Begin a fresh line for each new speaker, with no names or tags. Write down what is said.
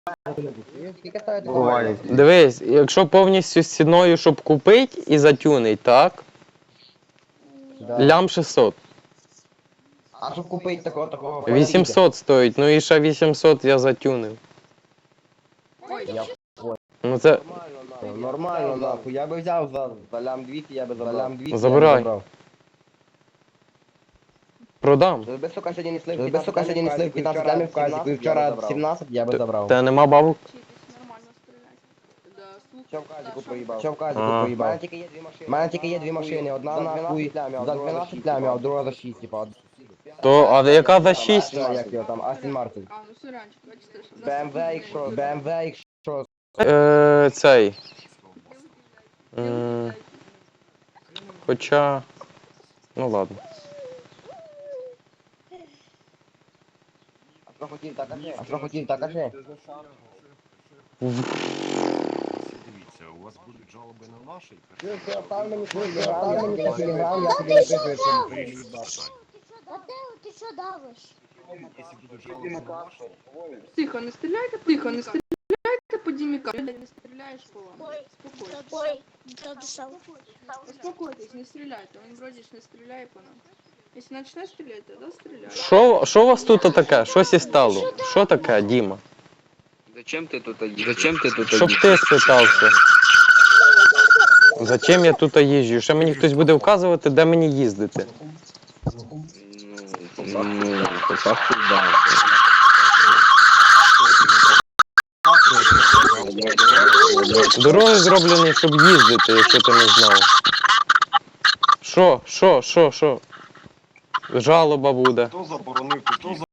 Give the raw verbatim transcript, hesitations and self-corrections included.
Скільки стоїть?
Буває.
Дивись, якщо повністю з ціною, щоб купити і затюнить, так?
Да.
Лям шістсот.
А щоб купити такого, такого?
вісімсот стоїть, ну і ще вісімсот я затюнив.
Я
Ну це
понял, нормально, нахуй. Я би взяв за, за лям двісті, я би забрав. За лям двісті
Забирай.
я би забрав.
продам.
Без сука сьогодні несли, без сука сьогодні несли п'ятнадцять лямів в казі, вчора сімнадцять я би забрав.
Та нема бабок?
Вчитись нормально стріляти. Да, слухай.
Що в казіку
Да,
проїбав?
що-
Що в казіку
А.
проїбав? У мене тільки є дві машини. У мене тільки є дві машини, одна нахуй за дванадцять лямів, а друга за шість, типа.
То, а яка за шість?
Як його там, Астін Мартин.
А, ну сорянчик, бачите, що...
Б М В, якщо, Б М В, якщо...
Е, цей. М, Хоча. Ну ладно.
А що хотів, так кажи. А що хотів, так кажи.
Дивіться, у вас будуть жалоби на наші,
Став мені свій телеграм, я тобі телеграм, я тобі напишу, що
вирішують питання.
Матео, ти що давиш?
Якщо будуть жалоби на наші,
Тихо, не стріляйте, тихо, не стріляйте по дімікам. Не стріляєш по вам. Спокойся.
Ой, додушав.
Успокойтесь, не стреляйте. Он вроде ж не стреляй по нам. Если начнешь стрелять, тогда стреляй.
Що, що у вас тут таке? Щось і стало? Що таке, Діма?
Зачем ты тут їздиш? Зачем ти тут
Щоб
їздиш?
ти спитався. Зачем я тут їжджу? Ще мені хтось буде вказувати, де мені їздити.
Ну, по факту, да.
Дороги зроблені, щоб їздити, якщо ти не знав. Що, що, що, що? Жалоба буде.
хто заборонив, хто